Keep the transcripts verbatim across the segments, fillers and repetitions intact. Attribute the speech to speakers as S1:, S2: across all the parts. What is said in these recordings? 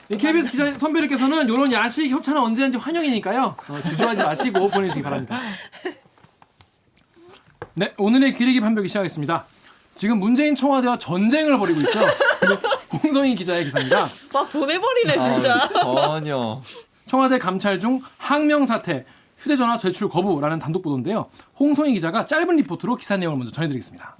S1: 케이비에스 기자 선배님께서는 이런 야식 협찬은 언제든지 환영이니까요. 어, 주저하지 마시고 보내주시기 바랍니다. 네, 오늘의 기레기 판별기 시작하겠습니다. 지금 문재인 청와대와 전쟁을 벌이고 있죠. 홍성희 기자의 기사입니다.
S2: 막 보내버리네 진짜.
S3: 아, 전혀.
S1: 청와대 감찰 중 항명 사태, 휴대전화 제출 거부라는 단독 보도인데요. 홍성희 기자가 짧은 리포트로 기사 내용을 먼저 전해드리겠습니다.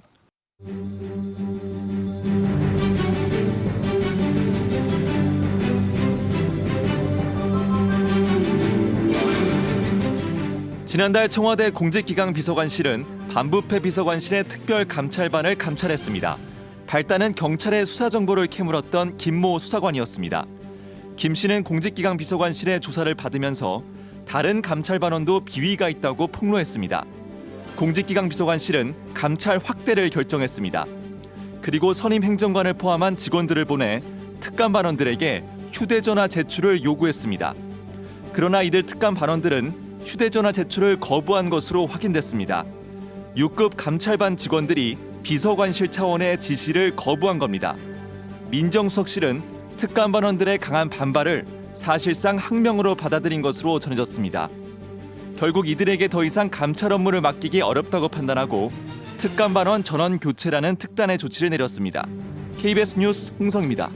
S3: 지난달 청와대 공직기강 비서관실은 반부패 비서관실의 특별 감찰반을 감찰했습니다. 발단은 경찰의 수사 정보를 캐물었던 김모 수사관이었습니다. 김 씨는 공직기강 비서관실의 조사를 받으면서 다른 감찰반원도 비위가 있다고 폭로했습니다. 공직기강 비서관실은 감찰 확대를 결정했습니다. 그리고 선임 행정관을 포함한 직원들을 보내 특감반원들에게 휴대전화 제출을 요구했습니다. 그러나 이들 특감반원들은 휴대전화 제출을 거부한 것으로 확인됐습니다. 육 급 감찰반 직원들이 비서관실 차원의 지시를 거부한 겁니다. 민정수석실은 특감반원들의 강한 반발을 사실상 항명으로 받아들인 것으로 전해졌습니다. 결국 이들에게 더 이상 감찰 업무를 맡기기 어렵다고 판단하고 특감반원 전원 교체라는 특단의 조치를 내렸습니다. 케이비에스 뉴스 홍성입니다.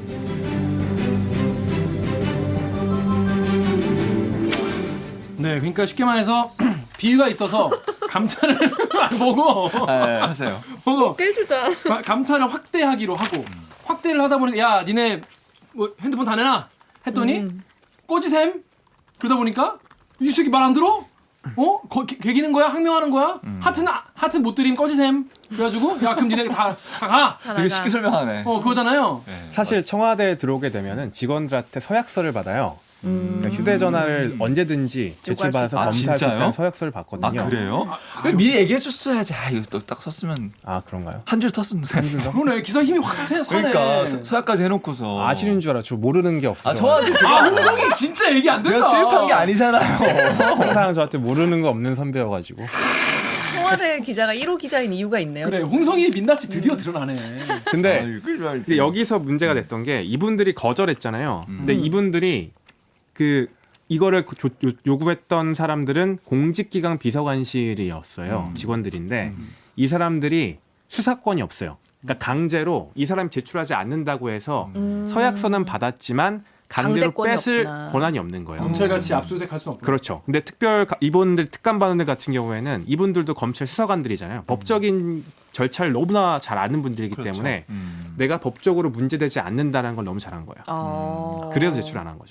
S1: 네, 그러니까 쉽게 말해서 비위가 있어서 감찰을 보고
S3: 네, 하세요.
S1: 보고
S2: 깨주자.
S1: 가- 감찰을 확대하기로 하고 확대를 하다 보니까 야, 니네 뭐 핸드폰 다 내놔 했더니
S2: 음.
S1: 꼬지샘 그러다 보니까 이 새끼 말 안 들어? 어? 거, 개, 개기는 거야? 항명하는 거야? 하트는 아- 하트 못 드림 꺼지셈. 그래가지고 야 그럼 니네 다, 다 가.
S2: 하나가.
S3: 되게 쉽게 설명하네.
S1: 어 그거잖아요.
S3: 네,
S4: 사실 청와대에 들어오게 되면은 직원들한테 서약서를 받아요.
S2: 음.
S4: 그러니까 휴대전화를 언제든지 제출받아서
S3: 아,
S4: 검사할 수
S3: 진짜요?
S4: 있다는 서약서를
S3: 아
S4: 받거든요.
S3: 그래요? 미리 얘기해줬어야지. 아, 이거 또 딱 썼으면
S4: 아, 그런가요?
S3: 한 줄 썼는데.
S1: 그러네 기사 힘이 확 세. 서네.
S3: 그러니까 서- 서약까지 해놓고서.
S4: 아시는 줄 알아. 저 모르는 게 없어서.
S3: 아 저한테
S1: 아
S3: 제가
S1: 홍성이 진짜 얘기 안 된다.
S3: 제가 취입한 게 아니잖아요.
S4: 항상 저한테 모르는 거 없는 선배여가지고.
S2: 청와대 기자가 일 호 기자인 이유가 있네요.
S1: 그래 홍성이의 민낯이 드디어 드러나네.
S4: 근데
S3: 아유, 그러지 말지.
S4: 근데 여기서 문제가 됐던 게 이분들이 거절했잖아요. 근데 이분들이 그 이거를 그 조- 요- 요구했던 사람들은 공직기강 비서관실이었어요.
S3: 음.
S4: 직원들인데 이 사람들이 수사권이 없어요. 그러니까 강제로 이 사람이 제출하지 않는다고 해서
S2: 음.
S4: 서약서는 받았지만 강제로
S2: 강제권이
S4: 뺏을
S2: 없구나.
S4: 권한이 없는 거예요.
S1: 검찰같이 압수수색할 수 없고.
S4: 그렇죠. 근데 특별 가- 이분들 특감반원들 같은 경우에는 이분들도 검찰 수사관들이잖아요. 법적인 절차를 너무나 잘 아는 분들이기
S3: 그렇죠.
S4: 때문에
S3: 음.
S4: 내가 법적으로 문제되지 않는다는 걸 너무 잘한 거예요.
S2: 어.
S4: 그래서 제출 안 한 거죠.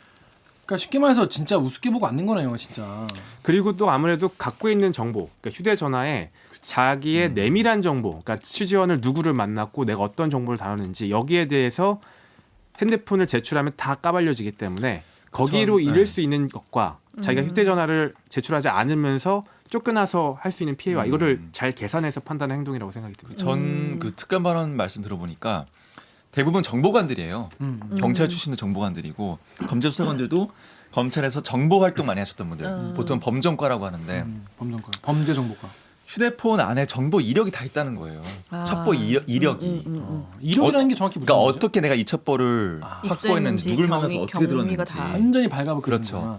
S1: 그러니까 쉽게 말해서 진짜 우습게 보고 앉는 거네요, 진짜.
S4: 그리고 또 아무래도 갖고 있는 정보, 그러니까 휴대전화에 자기의 내밀한 정보, 그러니까 취지원을 누구를 만났고 내가 어떤 정보를 다루는지 여기에 대해서 핸드폰을 제출하면 다 까발려지기 때문에 거기로
S3: 전,
S4: 잃을
S3: 네.
S4: 수 있는 것과 자기가 휴대전화를 제출하지 않으면서 쫓겨나서 할 수 있는 피해와
S3: 음.
S4: 이거를 잘 계산해서 판단한 행동이라고 생각이 듭니다.
S3: 전 그 특감 발언 말씀 들어보니까 대부분 정보관들이에요.
S1: 음.
S3: 경찰 출신도 정보관들이고 검찰 수사관들도 검찰에서 정보 활동 많이 하셨던 분들.
S2: 음.
S3: 보통 범정과라고 하는데
S1: 음, 범정과 범죄정보과.
S3: 휴대폰 안에 정보 이력이 다 있다는 거예요.
S2: 아.
S3: 첩보 이력, 이력이.
S2: 음, 음, 음, 음.
S1: 어, 이력이라는 게 정확히 무슨
S3: 그러니까
S1: 말이죠?
S3: 어떻게 내가 이 첩보를
S1: 아,
S3: 확보했는지
S2: 입수했는지,
S3: 누굴 만나서
S2: 경위,
S3: 어떻게
S2: 경위가
S3: 들었는지.
S2: 다.
S1: 완전히 발가벗
S3: 그렇죠.
S1: 그렇죠.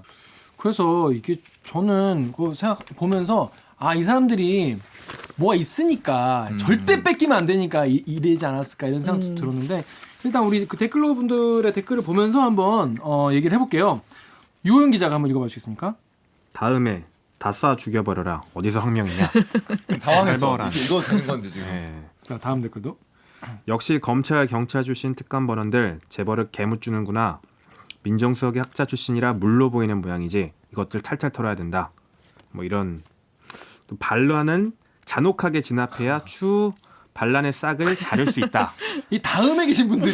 S1: 그래서 이게 저는 그 생각 보면서 아 이 사람들이 뭐가 있으니까
S3: 음.
S1: 절대 뺏기면 안 되니까 이, 이러지 않았을까 이런 생각도
S2: 음.
S1: 들었는데 일단 우리 그 댓글러 분들의 댓글을 보면서 한번 어, 얘기를 해볼게요. 유호영 기자가 한번 읽어봐 주시겠습니까?
S4: 다음에 다 쏴 죽여버려라. 어디서 항명이냐?
S3: 당황했어.
S4: 살벌한.
S3: 이게 이거 되는 건데 지금.
S4: 네.
S1: 자 다음 댓글도.
S4: 역시 검찰 경찰 출신 특감반원들 재벌을 개무주는구나. 민정수석의 학자 출신이라 물로 보이는 모양이지 이것들 탈탈 털어야 된다. 뭐 이런 또 반란은 잔혹하게 진압해야 추 반란의 싹을 자를 수 있다.
S1: 이 다음에 계신 분들이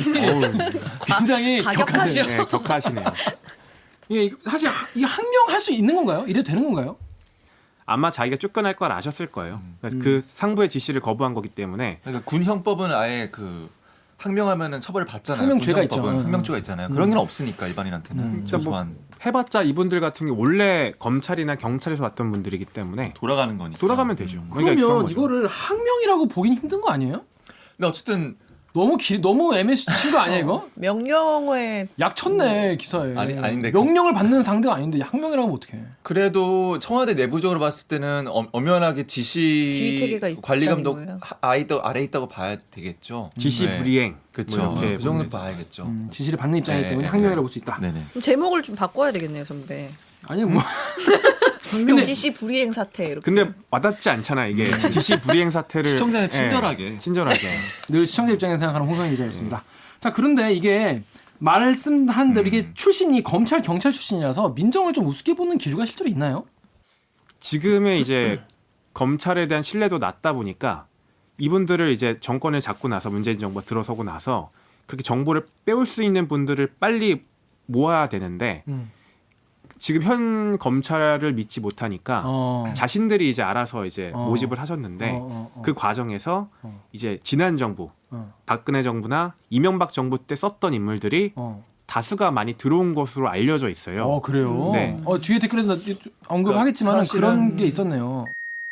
S1: 굉장히
S2: 가격하죠.
S1: 격하세요.
S4: 네, 격하시네요.
S1: 이게 사실 이 항명할 수 있는 건가요? 이래도 되는 건가요?
S4: 아마 자기가 쫓겨날 걸 아셨을 거예요. 그러니까 그 상부의 지시를 거부한 거기 때문에
S3: 그러니까 군 형법은 아예 그 항명하면은 처벌을 받잖아요.
S1: 항명죄가
S3: 군 형법은.
S1: 있죠.
S3: 항명죄가 있잖아요.
S1: 음.
S3: 그런 게 없으니까 일반인한테는
S1: 음.
S3: 소소한
S4: 해봤자 이분들 같은 게 원래 검찰이나 경찰에서 왔던 분들이기 때문에
S3: 돌아가는 거니까.
S4: 돌아가면 되죠.
S3: 음.
S4: 그러니까 그런
S1: 그러면
S4: 거죠.
S1: 이거를 항명이라고 보긴 힘든 거 아니에요?
S3: 근데 어쨌든
S1: 너무 길 너무 애매치 친거 아니야 이거?
S2: 명령어에
S1: 약 쳤네 기사에.
S3: 아니, 아닌데 그-
S1: 명령을 받는 상대가 아닌데 학명이라고 하면 어떡해?
S3: 그래도 청와대 내부적으로 봤을 때는 엄, 엄연하게 지시
S2: 지휘 체계가 있다는
S3: 관리 감독
S2: 거예요.
S3: 하- 아래 있다 아래 있다고 봐야 되겠죠.
S4: 지시
S3: 네.
S4: 불이행
S3: 그렇죠.
S4: 뭐 이렇게
S3: 그 정도
S4: 보면 되죠.
S3: 봐야겠죠.
S1: 음, 지시를 받는 입장이기
S3: 네,
S1: 때문에
S3: 네,
S1: 학명이라고
S3: 네.
S1: 볼 수 있다.
S3: 네네.
S2: 그럼 제목을 좀 바꿔야 되겠네요, 선배.
S1: 아니 뭐
S2: 근데 지시 불이행 사태 이렇게.
S4: 근데 와닿지 않잖아 이게 지시 불이행 사태를
S3: 시청자는
S4: 예,
S3: 친절하게.
S4: 친절하게
S1: 늘 시청자 입장에서 생각하는 홍성희 기자였습니다. 자 그런데 이게 말씀한 대로 이게 출신이 검찰 경찰 출신이라서 민정을 좀 우습게 보는 기류가 실제로 있나요?
S4: 지금의 이제 검찰에 대한 신뢰도 낮다 보니까 이분들을 이제 정권을 잡고 나서 문재인 정부가 들어서고 나서 그렇게 정보를 빼올 수 있는 분들을 빨리 모아야 되는데
S1: 음.
S4: 지금 현 검찰을 믿지 못하니까
S1: 어.
S4: 자신들이 이제 알아서 이제
S1: 어.
S4: 모집을 하셨는데
S1: 어, 어, 어.
S4: 그 과정에서
S1: 어.
S4: 이제 지난 정부
S1: 어.
S4: 박근혜 정부나 이명박 정부 때 썼던 인물들이
S1: 어.
S4: 다수가 많이 들어온 것으로 알려져 있어요.
S1: 어 그래요.
S4: 네.
S1: 어 뒤에 댓글에서 언급하겠지만
S3: 그러니까
S1: 그런
S3: 사실은-
S1: 게 있었네요.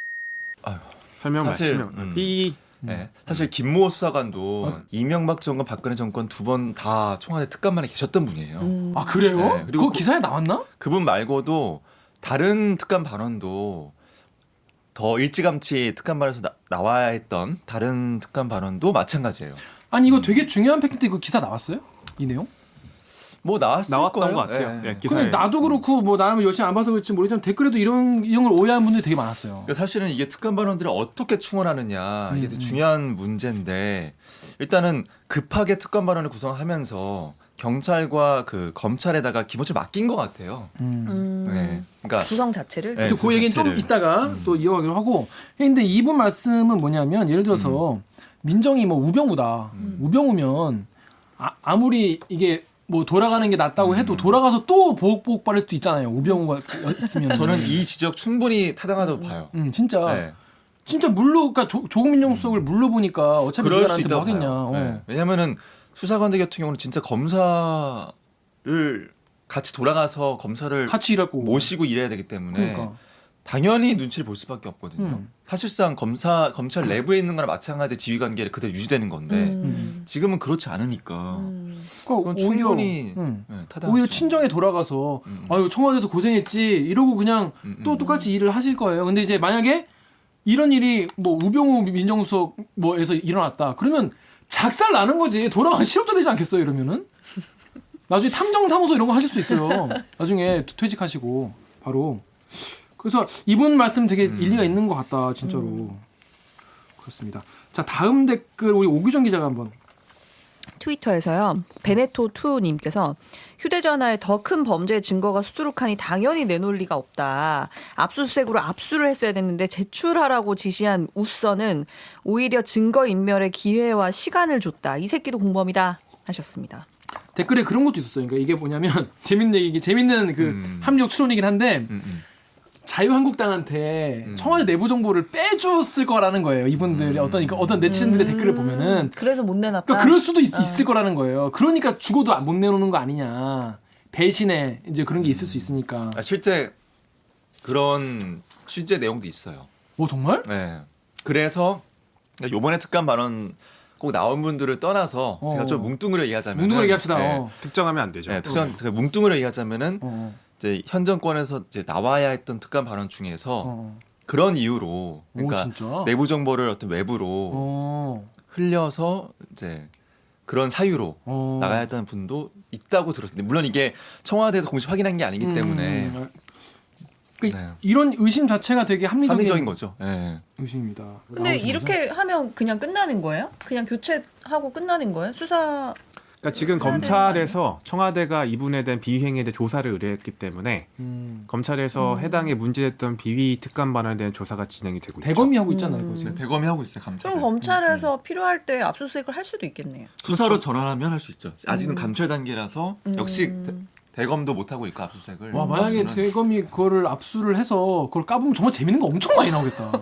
S4: 설명
S3: 사실,
S4: 말씀.
S3: 음.
S4: 삐
S3: 네. 사실 김모 수사관도
S1: 어?
S3: 이명박 정권, 박근혜 정권 두 번 다 청와대 특감만에 계셨던 분이에요.
S2: 음.
S1: 아 그래요?
S3: 네, 그리고
S1: 그거
S3: 그-
S1: 기사에 나왔나?
S3: 그분 말고도 다른 특감 발언도 더 일찌감치 특감 발언에서 나, 나와야 했던 다른 특감 발언도 마찬가지예요.
S1: 아니 이거 되게 중요한 팩트인데 그 기사 나왔어요? 이 내용?
S3: 뭐 나왔을
S4: 나왔던
S3: 거예요.
S4: 것 같아요.
S3: 예.
S4: 예, 기사에.
S1: 근데 나도 그렇고 뭐 나는 열심히 안 봐서 그렇지 모르지만 댓글에도 이런 이런 걸 오해하는 분들이 되게 많았어요.
S3: 그러니까 사실은 이게 특감 발언들을 어떻게 충원하느냐 이게
S1: 음,
S3: 되게
S1: 음.
S3: 중요한 문제인데 일단은 급하게 특감 발언을 구성하면서 경찰과 그 검찰에다가 기본적으로 맡긴 것 같아요.
S1: 음.
S2: 음.
S3: 네. 그러니까
S2: 구성 자체를.
S3: 네.
S1: 또 그 얘기는 좀
S3: 자체를.
S1: 이따가
S3: 음.
S1: 또 이어가기로 하고. 근데 이분 말씀은 뭐냐면 예를 들어서 민정이 뭐 우병우다.
S3: 음.
S1: 우병우면 아, 아무리 이게 뭐 돌아가는 게 낫다고 해도
S3: 음.
S1: 돌아가서 또 보복 받을 수도 있잖아요. 우병우가 있으면.
S3: 저는 이 지적 충분히 타당하다고 봐요.
S1: 음 진짜
S3: 네.
S1: 진짜 물로 그러니까 조, 조국 민정수석을 물로 보니까 어차피
S3: 그럴
S1: 네가
S3: 수
S1: 나한테 뭐
S3: 있다고
S1: 하겠냐.
S3: 봐요.
S1: 어.
S3: 네. 왜냐하면은 수사관들 같은 경우는 진짜 검사를 같이 돌아가서 검사를
S1: 같이 일할 거고.
S3: 모시고 일해야 되기 때문에
S1: 그러니까.
S3: 당연히 눈치를 볼 수밖에 없거든요.
S1: 음.
S3: 사실상 검사 검찰 내부에 있는 거나 마찬가지 지휘 관계를 그대로 유지되는 건데
S2: 음.
S3: 지금은 그렇지 않으니까
S2: 음.
S1: 그러니까
S3: 그건 충분히
S1: 음.
S3: 네, 타당하죠.
S1: 오히려 친정에 돌아가서
S3: 음.
S1: 아유 청와대에서 고생했지 이러고 그냥
S3: 음, 음.
S1: 또 똑같이 일을 하실 거예요. 근데 이제 만약에 이런 일이 뭐 우병우 민정수석 뭐에서 일어났다. 그러면 작살 나는 거지. 돌아가기 실업자 되지 않겠어요? 이러면은 나중에 탐정사무소 이런 거 하실 수 있어요. 나중에 퇴직하시고 바로. 그래서 이분 말씀 되게
S3: 음.
S1: 일리가 있는 것 같다. 진짜로. 그렇습니다. 자 다음 댓글 우리 오규정 기자가 한번.
S2: 트위터에서요. 베네토투님께서 휴대전화에 더 큰 범죄의 증거가 수두룩하니 당연히 내놓을 리가 없다. 압수수색으로 압수를 했어야 됐는데 제출하라고 지시한 우선은 오히려 증거인멸의 기회와 시간을 줬다. 이 새끼도 공범이다 하셨습니다.
S1: 댓글에 그런 것도 있었어요. 그러니까 이게 뭐냐면 재밌는 얘기, 재밌는 그
S3: 음.
S1: 합력 추론이긴 한데
S3: 음, 음.
S1: 자유한국당한테
S3: 음.
S1: 청와대 내부 정보를 빼줬을 거라는 거예요. 이분들이
S3: 음.
S1: 어떤 그러니까 어떤 네티즌들의
S2: 음.
S1: 댓글을 보면은
S2: 그래서 못 내놨다.
S1: 그러니까 그럴 수도 있,
S2: 어.
S1: 있을 거라는 거예요. 그러니까 죽어도 못 내놓는 거 아니냐. 배신에 이제 그런 게 있을 수 있으니까.
S3: 아, 실제 그런 취재 내용도 있어요.
S1: 오 정말?
S3: 네. 그래서 요번에 특감 발언 꼭 나온 분들을 떠나서
S1: 어.
S3: 제가 좀 뭉뚱그려 얘기하자면
S1: 뭉뚱그려 얘기합시다.
S3: 네.
S1: 어.
S4: 특정하면 안 되죠.
S3: 네, 특정 그 뭉뚱그려 얘기하자면은
S1: 어.
S3: 이제 현 정권에서 이제 나와야 했던 특감 발언 중에서
S1: 어.
S3: 그런 이유로
S1: 오
S3: 그러니까
S1: 진짜.
S3: 내부 정보를 어떤 외부로
S1: 어.
S3: 흘려서 이제 그런 사유로
S1: 어.
S3: 나가야 했다는 분도 있다고 들었는데 물론 이게 청와대에서 공식 확인한 게 아니기 때문에
S1: 음. 그
S3: 네.
S1: 이런 의심 자체가 되게 합리적인,
S3: 합리적인 거죠. 네.
S1: 의심입니다.
S2: 근데
S1: 나오자마자.
S2: 이렇게 하면 그냥 끝나는 거예요? 그냥 교체하고 끝나는 거예요? 수사
S4: 그러니까 지금
S2: 해야 되는 거
S4: 검찰에서 청와대가 이분에 대한 비위행위에 대해 조사를 의뢰했기 때문에
S1: 음.
S4: 검찰에서
S2: 음.
S4: 해당에 문제됐던 비위 특감 반환에 대한 조사가 진행이 되고 있죠.
S1: 대검이 하고 있잖아요.
S2: 음.
S1: 이거 지금.
S3: 대검이 하고 있어요. 감찰.
S2: 그럼 검찰에서 필요할 때 압수수색을 할 수도 있겠네요.
S3: 수사로 전환하면 할 수 있죠. 아직은
S2: 음.
S3: 감찰 단계라서
S2: 음.
S3: 역시 대, 대검도 못 하고 있고 압수수색을.
S1: 와 만약에
S3: 압수는.
S1: 대검이 그거를 압수를 해서 그걸 까보면 정말 재밌는 거 엄청 많이 나오겠다.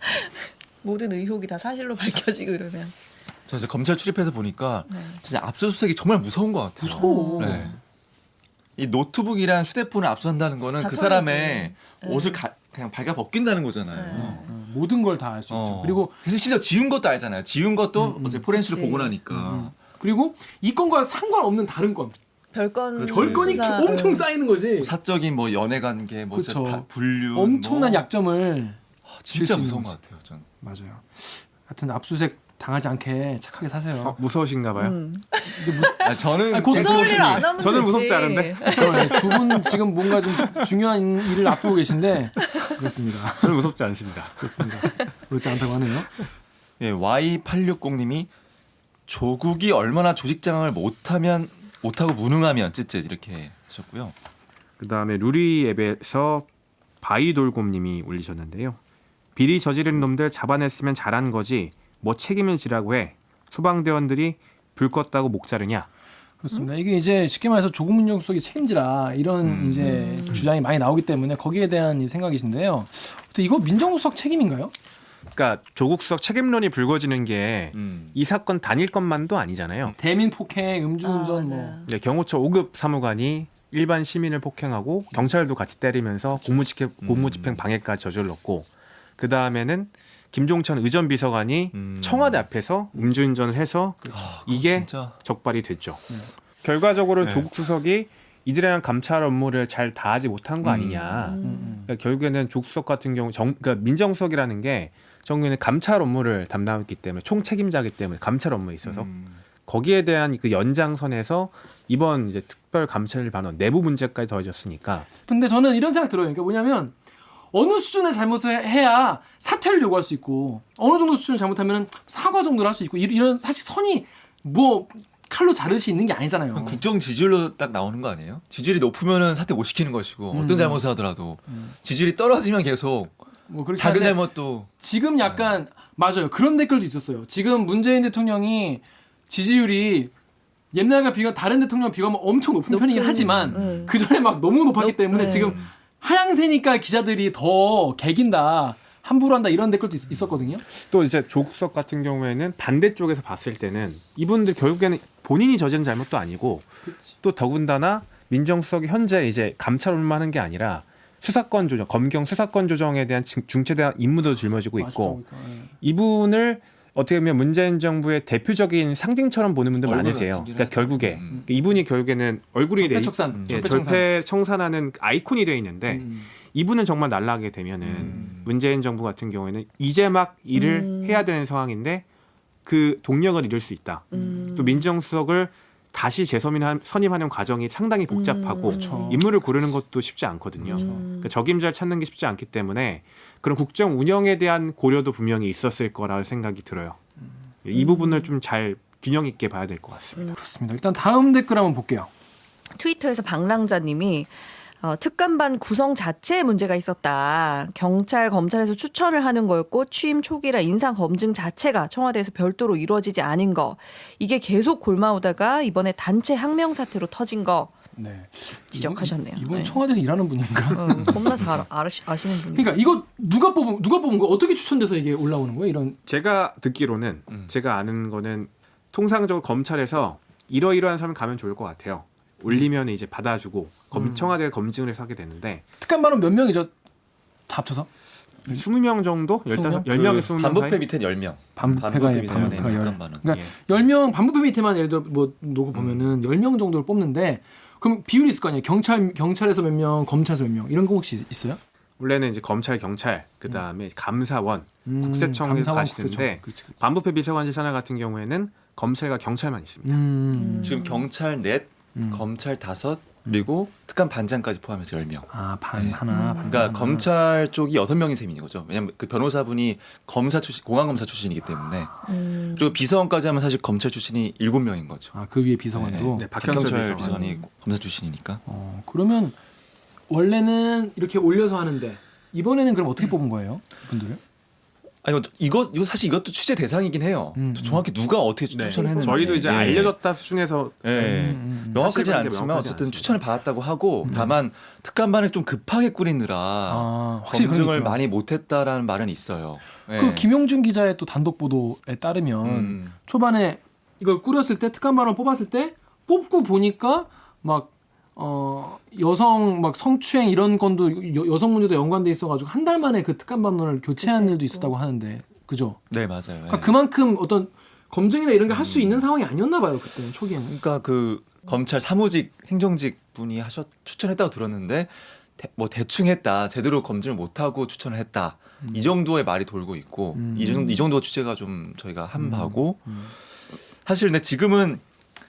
S2: 모든 의혹이 다 사실로 밝혀지고 이러면.
S3: 저 이제 검찰 출입해서 보니까
S2: 네.
S3: 진짜 압수수색이 정말 무서운 것 같아요.
S1: 무서워.
S3: 네. 이 노트북이랑 휴대폰을 압수한다는 거는
S2: 다
S3: 그
S2: 털리지.
S3: 사람의
S2: 네.
S3: 옷을 가, 그냥 발가 벗긴다는 거잖아요.
S2: 네.
S1: 어, 모든 걸 다 알 수 있죠.
S3: 어.
S1: 그리고
S3: 그래서 심지어 지운 것도 알잖아요. 지운 것도
S1: 음, 음.
S3: 어제 포렌식을
S2: 그치.
S3: 보고 나니까.
S1: 그리고 이 건과 상관없는 다른 건
S2: 별건
S3: 그렇지.
S1: 별건이
S2: 수사,
S1: 엄청
S2: 응.
S1: 쌓이는 거지.
S3: 뭐 사적인 뭐 연애 관계, 뭐
S1: 그쵸.
S3: 진짜 바- 불륜,
S1: 엄청난
S3: 뭐.
S1: 약점을
S3: 아, 진짜
S1: 수
S3: 무서운
S1: 있는
S3: 것 같아요. 전.
S1: 맞아요. 하여튼 압수수색 당하지 않게 착하게 사세요.
S4: 어, 무서우신가 봐요.
S2: 음.
S3: 아, 저는
S1: 아니, 곧
S3: 그냥
S2: 무서울
S3: 그렇습니다.
S2: 일 안 하면
S4: 저는
S2: 되지.
S4: 무섭지 않은데.
S1: 두 분 지금 뭔가 좀 중요한 일을 앞두고 계신데 그렇습니다.
S4: 저는 무섭지 않습니다.
S1: 그렇습니다. 그렇지 않다고 하네요.
S3: 예, 와이 팔육공님이 조국이 얼마나 조직장악을 못하면 못하고 무능하면 쯧쯧 이렇게 하셨고요.
S4: 그다음에 루리 앱에서 바이돌곰님이 올리셨는데요. 비리 저지른 놈들 잡아냈으면 잘한 거지 뭐 책임을 지라고 해. 소방대원들이 불 껐다고 목 자르냐.
S1: 그렇습니다. 이게 이제 쉽게 말해서 조국 민정수석이 책임지라 이런
S3: 음.
S1: 이제 주장이 많이 나오기 때문에 거기에 대한 이 생각이신데요. 근데 이거 민정수석 책임인가요?
S4: 그러니까 조국 수석 책임론이 불거지는 게 이
S3: 음.
S4: 사건 단일 것만도 아니잖아요.
S1: 대민 폭행, 음주운전
S2: 아,
S1: 뭐
S2: 맞아요.
S4: 이제 경호처 오 급 사무관이 일반 시민을 폭행하고 경찰도 같이 때리면서 공무집행, 공무집행 방해까지 저질렀고 그 다음에는 김종천 의전 비서관이
S3: 음.
S4: 청와대 앞에서 음주운전을 해서
S3: 아, 그거
S4: 이게
S3: 진짜
S4: 적발이 됐죠. 결과적으로
S3: 네.
S4: 조국 수석이 이들이랑 감찰 업무를 잘 다하지 못한 거
S3: 음.
S4: 아니냐.
S1: 음.
S4: 그러니까 결국에는 조국 수석 같은 경우 정, 그러니까 민정수석이라는 게 정부에는 감찰 업무를 담당했기 때문에 총 책임자이기 때문에 감찰 업무에 있어서
S3: 음.
S4: 거기에 대한 그 연장선에서 이번 이제 특별 감찰반원 내부 문제까지 더해졌으니까
S1: 근데 저는 이런 생각 들어요. 그러니까 뭐냐면 어느 수준의 잘못을 해야 사퇴를 요구할 수 있고 어느 정도 수준을 잘못하면 사과 정도를 할 수 있고 이- 이런 사실 선이 뭐 칼로 자를 수 있는 게 아니잖아요.
S3: 그럼 국정 지지율로 딱 나오는 거 아니에요? 지지율이 높으면은 사퇴 못 시키는 것이고
S1: 음.
S3: 어떤 잘못을 하더라도
S1: 음.
S3: 지지율이 떨어지면 계속
S1: 뭐 그렇게
S3: 작은
S1: 하는데
S3: 잘못도
S1: 지금 약간 맞아요. 그런 댓글도 있었어요. 지금 문재인 대통령이 지지율이 옛날과 비교 다른 대통령 비교하면 엄청 높은
S2: 높은,
S1: 편이긴 하지만
S2: 음.
S1: 그 전에 막 너무 높았기
S2: 높-
S1: 때문에
S2: 네.
S1: 지금 하향세니까 기자들이 더 개긴다. 함부로 한다 이런 댓글도 있, 있었거든요.
S4: 또 이제 조국 수석 같은 경우에는 반대쪽에서 봤을 때는 이분들 결국에는 본인이 저지른 잘못도 아니고 또 더군다나 민정수석이 현재 이제 감찰 업무만 하는 게 아니라 수사권 조정, 검경 수사권 조정에 대한 중- 중체대한 임무도 짊어지고 있고 이분을 어떻게 보면 문재인 정부의 대표적인 상징처럼 보는 분들
S3: 얼굴
S4: 많으세요.
S3: 같은
S4: 그러니까
S3: 하죠.
S4: 결국에
S3: 음.
S4: 이분이 결국에는 얼굴이 돼 있-
S1: 적폐청산,
S4: 예,
S1: 적폐청산.
S4: 절패 청산하는 아이콘이 돼 있는데
S1: 음.
S4: 이분은 정말 날아가게 되면은
S3: 음.
S4: 문재인 정부 같은 경우에는 이제 막 일을
S2: 음.
S4: 해야 되는 상황인데 그 동력을 잃을 수 있다.
S2: 음.
S4: 또 민정수석을 다시 재선임하는 선임하는 과정이 상당히 복잡하고
S2: 음. 그렇죠.
S4: 인물을 고르는 것도 쉽지 않거든요.
S2: 음.
S4: 그러니까 적임자를 찾는 게 쉽지 않기 때문에 그런 국정 운영에 대한 고려도 분명히 있었을 거라 생각이 들어요. 이 부분을 좀 잘 균형 있게 봐야 될 것 같습니다.
S1: 그렇습니다. 일단 다음 댓글 한번 볼게요.
S2: 트위터에서 방랑자님이 어, 특감반 구성 자체에 문제가 있었다. 경찰, 검찰에서 추천을 하는 거였고 취임 초기라 인상 검증 자체가 청와대에서 별도로 이루어지지 않은 거. 이게 계속 골마오다가 이번에 단체 항명 사태로 터진 거
S1: 네.
S2: 지적하셨네요.
S1: 이분, 이분
S2: 네.
S1: 청와대에서 일하는 분인가?
S2: 어, 겁나 잘 아시, 아시는 분이.
S1: 그러니까 이거 누가 뽑은 누가 뽑은 거 어떻게 추천돼서 이게 올라오는 거예요? 이런
S4: 제가 듣기로는
S3: 음.
S4: 제가 아는 거는 통상적으로 검찰에서 이러이러한 사람 가면 좋을 것 같아요. 올리면 이제 받아주고 검,
S1: 음.
S4: 청와대가 검증을 해서 하게 되는데
S1: 특감반은 몇 명이죠? 다 합쳐서
S4: 이십 명 정도?
S1: 이십 명?
S4: 열 명에 이십 명
S3: 반부패
S4: 사이?
S3: 밑엔 열 명.
S1: 반부패가
S3: 반부패 밑에는
S1: 반부패가 열.
S3: 특감반은.
S1: 그러니까
S4: 예.
S1: 열 명 반부패 밑에만 예를 들어 뭐 놓고 보면은 열 명 정도를 뽑는데 그럼 비율이 있을 거 아니에요? 경찰 경찰에서 몇 명, 검찰에서 몇 명 이런 거 혹시 있어요?
S4: 원래는 이제 검찰, 경찰, 그 다음에 감사원,
S1: 음,
S4: 국세청에서
S1: 감사원,
S4: 가시는데
S1: 국세청. 그렇지, 그렇지.
S4: 반부패 비서관실 산하 같은 경우에는 검찰과 경찰만 있습니다.
S1: 음.
S3: 지금 경찰 넷,
S1: 음.
S3: 검찰 다섯, 그리고 특감 반장까지 포함해서 열 명.
S1: 아, 반
S3: 네.
S1: 하나. 반
S3: 그러니까
S1: 하나.
S3: 검찰 쪽이 여섯 명인 셈인 거죠. 왜냐하면 그 변호사분이 검사 출신, 공안 검사 출신이기 때문에
S2: 음.
S3: 그리고 비서관까지 하면 사실 검찰 출신이 일곱 명인 거죠.
S1: 아, 그 위에 비서관도.
S4: 네, 박형철
S3: 박형철
S4: 비서관.
S3: 비서관이 검사 출신이니까.
S1: 어, 그러면 원래는 이렇게 올려서 하는데 이번에는 그럼 어떻게 뽑은 거예요? 분들을?
S3: 아니 이거 이거 사실 이것도 취재 대상이긴 해요.
S1: 음,
S3: 정확히 누가 어떻게
S4: 네.
S3: 추천했는지
S4: 저희도 이제
S3: 예.
S4: 알려졌다 수준에서
S3: 예.
S1: 음, 음.
S3: 명확하지는
S4: 사실관계
S3: 않지만
S4: 명확하지
S3: 어쨌든
S4: 않습니다.
S3: 추천을 받았다고 하고
S1: 음.
S3: 다만 특감반을 좀 급하게 꾸리느라
S1: 아, 확실히
S3: 검증을
S1: 그러니까.
S3: 많이 못했다라는 말은 있어요. 예.
S1: 그 김용준 기자의 또 단독 보도에 따르면
S3: 음.
S1: 초반에 이걸 꾸렸을 때 특감반을 뽑았을 때 뽑고 보니까 막 어 여성 막 성추행 이런 건도 여, 여성 문제도 연관돼 있어가지고 한 달 만에 그 특감 반론을 교체한
S2: 교체했고.
S1: 일도 있었다고 하는데 그죠?
S3: 네 맞아요.
S1: 그러니까
S3: 예.
S1: 그만큼 어떤 검증이나 이런 게 할 수 있는 상황이 아니었나 봐요 그때는 초기에는.
S3: 그러니까 그 검찰 사무직 행정직 분이 하셨 추천했다고 들었는데 대, 뭐 대충 했다 제대로 검증을 못하고 추천을 했다
S1: 음.
S3: 이 정도의 말이 돌고 있고
S1: 음.
S3: 이, 정도, 이 정도 취재가 좀 저희가 한
S1: 음.
S3: 바고
S1: 음.
S3: 사실 근데 지금은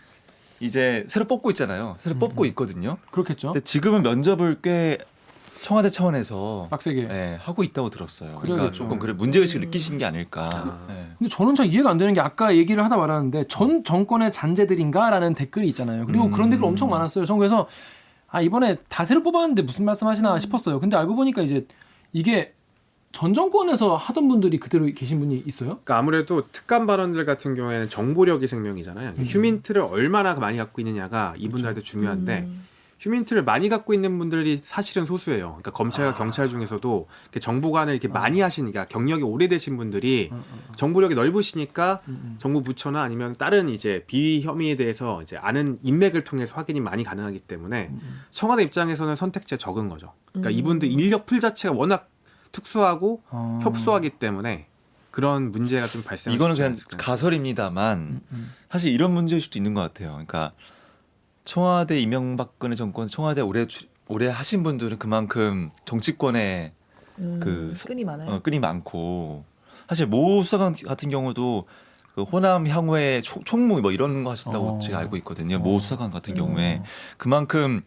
S3: 이제 새로 뽑고 있잖아요 새로
S1: 음.
S3: 뽑고 있거든요
S1: 그렇겠죠.
S3: 근데 지금은 면접을 꽤 청와대 차원에서
S1: 빡세게.
S3: 예, 하고 있다고 들었어요 그러니까
S1: 그래야겠죠.
S3: 조금 그래 문제의식을 느끼신 게 아닐까
S4: 아.
S3: 예.
S1: 근데 저는 잘 이해가 안 되는 게 아까 얘기를 하다 말았는데 전 정권의 잔재들인가라는 댓글이 있잖아요. 그리고
S3: 음.
S1: 그런 댓글 엄청 많았어요. 전 그래서 아 이번에 다 새로 뽑았는데 무슨 말씀하시나 싶었어요. 근데 알고 보니까 이제 이게 전 정권에서 하던 분들이 그대로 계신 분이 있어요?
S4: 그러니까 아무래도 특감 발언들 같은 경우에는 정보력이 생명이잖아요.
S1: 음.
S4: 휴민트를 얼마나 많이 갖고 있느냐가 이분들한테 중요한데
S2: 음.
S4: 휴민트를 많이 갖고 있는 분들이 사실은 소수예요. 그러니까 검찰과
S1: 아.
S4: 경찰 중에서도 이렇게 정보관을 이렇게 많이 하시니까 경력이 오래되신 분들이
S1: 어, 어, 어.
S4: 정보력이 넓으시니까
S1: 음, 음.
S4: 정부 부처나 아니면 다른 이제 비위 혐의에 대해서 이제 아는 인맥을 통해서 확인이 많이 가능하기 때문에
S1: 음, 음.
S4: 청와대 입장에서는 선택지가 적은 거죠. 그러니까
S2: 음.
S4: 이분들 인력 풀 자체가 워낙 특수하고
S1: 어.
S4: 협소하기 때문에 그런 문제가 좀 발생.
S3: 이거는 그냥 가설입니다만
S1: 음, 음.
S3: 사실 이런 문제일 수도 있는 것 같아요. 그러니까 청와대 이명박근혜 정권 청와대 오래 주, 오래 하신 분들은 그만큼 정치권에
S2: 음,
S3: 그
S2: 끈이 많아요.
S3: 어, 끈이 많고 사실 모 수사관 같은 경우도 그 호남 향후에 초- 총무 뭐 이런 거 하셨다고
S1: 어.
S3: 제가 알고 있거든요.
S1: 어.
S3: 모 수사관 같은 경우에
S1: 어.
S3: 그만큼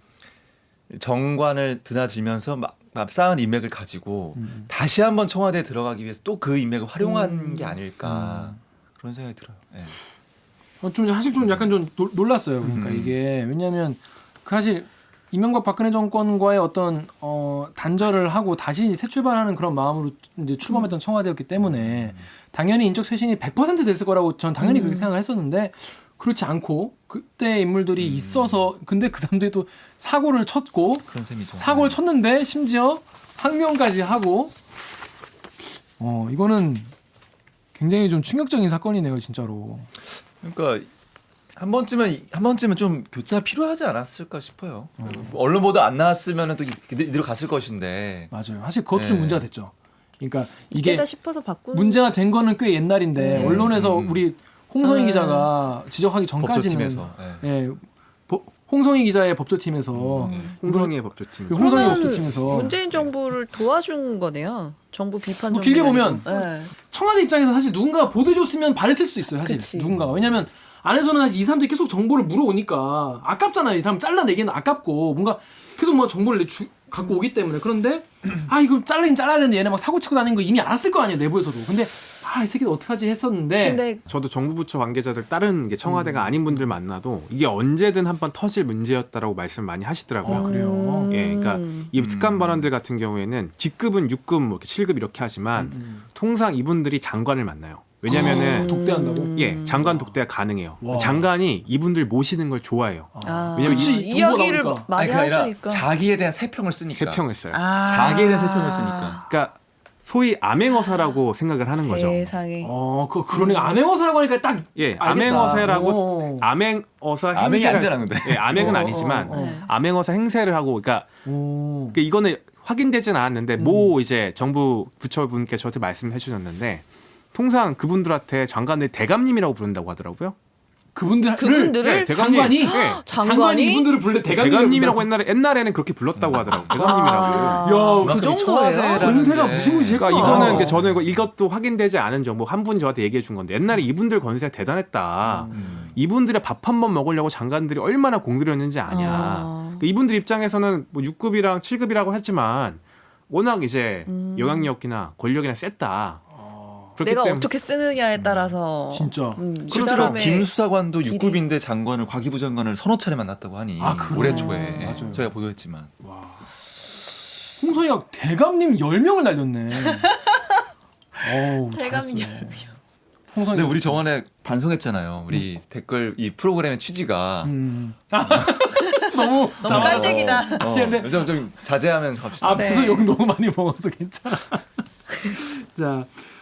S3: 정관을 드나들면서 막, 막 쌓은 인맥을 가지고
S1: 음.
S3: 다시 한번 청와대에 들어가기 위해서 또 그 인맥을 활용한
S2: 음.
S3: 게 아닐까 그런 생각이 들어요. 예.
S1: 어, 좀 사실 좀 약간 좀 놀- 놀랐어요. 그러니까
S3: 음.
S1: 이게 왜냐하면 그 사실 이명박 박근혜 정권과의 어떤 어, 단절을 하고 다시 새 출발하는 그런 마음으로 이제 출범했던 청와대였기 때문에 당연히 인적 쇄신이 백 퍼센트 됐을 거라고 전 당연히
S2: 음.
S1: 그렇게 생각을 했었는데 그렇지 않고 그때 인물들이
S3: 음.
S1: 있어서 근데 그 사람들이 또 사고를 쳤고
S3: 그런 셈이죠.
S1: 사고를
S3: 네.
S1: 쳤는데 심지어 항명까지 하고 어 이거는 굉장히 좀 충격적인 사건이네요, 진짜로.
S3: 그러니까 한 번쯤은 한 번쯤은 좀 교체가 필요하지 않았을까 싶어요. 언론 보도 안 나왔으면은 또 이들- 이대로 갔을 것인데.
S1: 맞아요. 사실 그것도
S3: 네.
S1: 좀 문제가 됐죠. 그러니까 이게
S2: 이게다 싶어서 바꾸는
S1: 문제가 된 거는 꽤 옛날인데
S2: 네.
S1: 언론에서
S3: 음.
S1: 우리 홍성희
S2: 네.
S1: 기자가 지적하기 전까지는
S3: 법조팀에서. 예.
S1: 예, 보- 홍성희 기자의 법조팀에서
S3: 음.
S4: 홍성의 법조팀.
S1: 그 홍성희
S2: 그러면
S1: 법조팀에서
S2: 문재인 정부를 도와준 거네요. 정부 비판
S1: 뭐
S2: 정부.
S1: 길게 보면
S2: 네.
S1: 청와대 입장에서 사실 누군가 보도해줬으면 바랬을 수도 있어요. 사실
S2: 그치.
S1: 누군가가 왜냐하면 안에서는 사실 이 사람들이 계속 정보를 물어오니까 아깝잖아요. 이 사람 잘라내기는 아깝고 뭔가 계속 뭐 정보를 내 주, 갖고 오기 때문에 그런데 아 이거 잘라긴 잘라야 되는데 얘네 막 사고 치고 다니는 거 이미 알았을 거 아니에요 내부에서도. 근데 아 이 새끼들 어떡하지 했었는데
S2: 근데
S4: 저도 정부 부처 관계자들 다른 게 청와대가
S1: 음.
S4: 아닌 분들 만나도 이게 언제든 한번 터질 문제였다라고 말씀 많이 하시더라고요.
S1: 아, 그래요?
S4: 예, 그러니까
S2: 음.
S4: 이 특감
S3: 음.
S4: 발언들 같은 경우에는 직급은 육 급, 뭐 이렇게 칠 급 이렇게 하지만
S1: 음.
S4: 통상 이분들이 장관을 만나요. 왜냐면은
S1: 아, 독대한다고?
S4: 예, 장관 독대가 가능해요.
S1: 와.
S4: 장관이 이분들 모시는 걸 좋아해요.
S2: 아,
S4: 왜냐면
S1: 그치,
S2: 이-
S1: 정보가
S2: 이야기를
S1: 나오니까.
S2: 많이
S3: 아니, 그게 아니라
S2: 하시니까.
S3: 자기에 대한 세평을 쓰니까.
S4: 세 평을 써요.
S2: 아.
S3: 자기에 대한 세평을 쓰니까.
S4: 그러니까 소위 암행어사라고 생각을 하는 거죠.
S2: 세상에.
S1: 어, 그 그러니까 암행어사라고 하니까 딱
S4: 예,
S1: 알겠다.
S4: 암행어사라고
S1: 오.
S4: 암행어사
S3: 암행이
S4: 행세를-
S3: 아니잖아, 근데.
S4: 예, 암행은
S1: 어,
S4: 아니지만
S1: 어, 어.
S2: 네.
S4: 암행어사 행세를 하고 그러니까
S1: 오.
S4: 그 이거는 확인되진 않았는데
S1: 음.
S4: 모 이제 정부 부처분께 저한테 말씀해 주셨는데 통상 그분들한테 장관을 대감님이라고 부른다고 하더라고요.
S1: 그분들
S2: 그분들을
S4: 네,
S1: 장관이
S4: 네.
S1: 장관이
S2: 장관이
S1: 이분들을 불러 대감님
S4: 대감님이라고 옛날에 옛날에는 그렇게 불렀다고 하더라고요. 대감님이라고.
S2: 아,
S1: 야,
S2: 그
S3: 그만큼
S2: 정도예요?
S3: 청와대라는
S1: 권세가
S3: 게-
S1: 무시무시했구나.
S4: 그러니까 이거는
S1: 어.
S4: 그 저는 이거- 이것도 확인되지 않은 정보 한 분이 저한테 얘기해 준 건데 옛날에 이분들 권세가 대단했다.
S3: 음.
S4: 이분들의 밥 한 번 먹으려고 장관들이 얼마나 공들였는지 아냐.
S2: 아.
S4: 그러니까 이분들 입장에서는 뭐 육 급이랑 칠 급이라고 했지만 워낙 이제
S2: 음.
S4: 영향력이나 권력이나 셌다. 그렇기
S2: 내가
S4: 때문에
S2: 어떻게 쓰느냐에 따라서
S1: 진짜.
S2: 음, 그
S3: 실제로
S2: 사람의
S3: 김 수사관도
S2: 길이-
S3: 육 급인데 장관을 과기부 장관을 서너 차례 만났다고 하니
S1: 아, 그래요?
S3: 올해 초에 예,
S1: 맞아요.
S3: 저희가 보도했지만
S1: 와. 홍성이가 대감님 열 명을 날렸네. 어우,
S2: 대감님
S1: 잘했어요. 홍성이.
S3: 근데 우리 저번에 반성했잖아요. 우리 댓글 이 프로그램의 취지가
S1: 음. 아, 너무
S2: 너무
S1: 자,
S2: 깔때기다.
S3: 어,
S1: 근데-
S3: 좀, 좀 자제하면서 갑시다.
S1: 앞에서
S2: 네.
S1: 욕 너무 많이 먹어서 괜찮아. 자,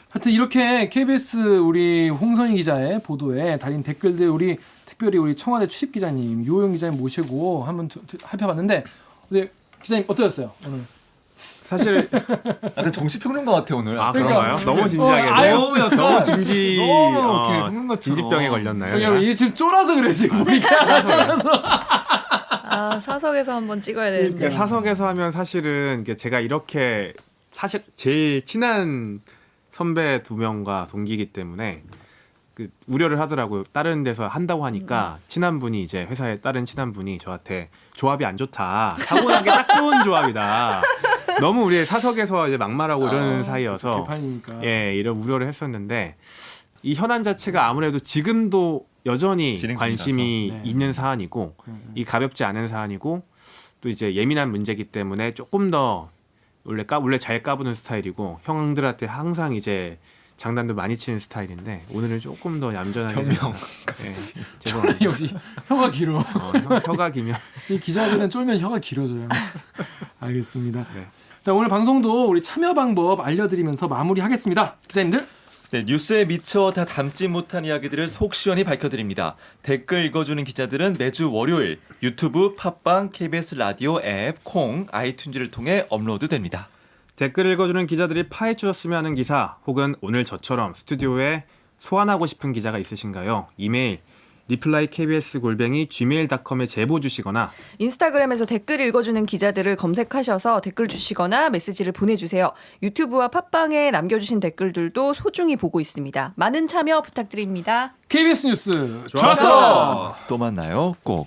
S1: 하여튼 이렇게 케이비에스 우리 홍선희 기자의 보도에 달린 댓글들 우리 특별히 우리 청와대 출입 기자님 유호영 기자님 모시고 한번 두- 두- 살펴봤는데 근데 기자님 어떠셨어요 오늘?
S4: 사실
S3: 약간 정치평론가 같아 오늘.
S4: 아
S1: 그러니까.
S4: 그런가요? 너무 진지하게
S1: 어, 아유,
S4: 너무 약간 너무 진지
S3: 너무
S4: 어,
S3: 이렇게 흑는 것처럼.
S4: 진지병에 걸렸나요?
S1: 저기
S4: 내가?
S1: 이게 지금 쫄아서 그래 지금 보니까 쫄아서.
S2: 아 사석에서 한번 찍어야 되는데.
S4: 그러니까 사석에서 하면 사실은 이게 제가 이렇게 사실 제일 친한 선배 두 명과 동기이기 때문에 그 우려를 하더라고요. 다른 데서 한다고 하니까 친한 분이 이제 회사에 다른 친한 분이 저한테 조합이 안 좋다. 타고난 게 딱 좋은 조합이다. 너무 우리 사석에서 이제 막말하고 이러는
S2: 어,
S4: 사이여서
S1: 개판이니까.
S4: 예 이런 우려를 했었는데 이 현안 자체가 아무래도 지금도 여전히
S3: 진행
S4: 관심이
S1: 중이라서. 네.
S4: 있는 사안이고
S1: 음.
S4: 이 가볍지 않은 사안이고 또 이제 예민한 문제이기 때문에 조금 더 원래 까 원래 잘 까부는 스타일이고 형들한테 항상 이제 장난도 많이 치는 스타일인데 오늘은 조금 더 얌전하게
S3: 변명.
S4: 예, 죄송합니다.
S1: 역시 혀가 길어.
S4: 어, 혀- 혀가 기면
S1: 이 기자들은 쫄면 혀가 길어져요. 알겠습니다.
S4: 네.
S1: 자 오늘 방송도 우리 참여 방법 알려드리면서 마무리하겠습니다. 기자님들.
S3: 네, 뉴스에 미처 다 담지 못한 이야기들을 속 시원히 밝혀드립니다. 댓글 읽어주는 기자들은 매주 월요일 유튜브, 팟빵, 케이비에스 라디오 앱, 콩, 아이튠즈를 통해 업로드됩니다.
S4: 댓글 읽어주는 기자들이 파헤쳐줬으면 하는 기사 혹은 오늘 저처럼 스튜디오에 소환하고 싶은 기자가 있으신가요? 이메일 리플라이 케이비에스 골뱅이 지메일 닷컴에 제보 주시거나
S2: 인스타그램에서 댓글 읽어주는 기자들을 검색하셔서 댓글 주시거나 메시지를 보내주세요. 유튜브와 팟빵에 남겨주신 댓글들도 소중히 보고 있습니다. 많은 참여 부탁드립니다.
S1: 케이비에스 뉴스
S4: 좋았어!
S3: 또 만나요. 꼭.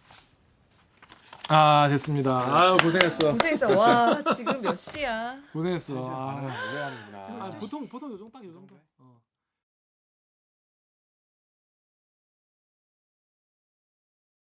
S1: 아 됐습니다. 아유 고생했어.
S2: 고생했어. 와 지금 몇 시야?
S1: 고생했어. 아, 아, 보통 보통 요 정도 딱 요 정도.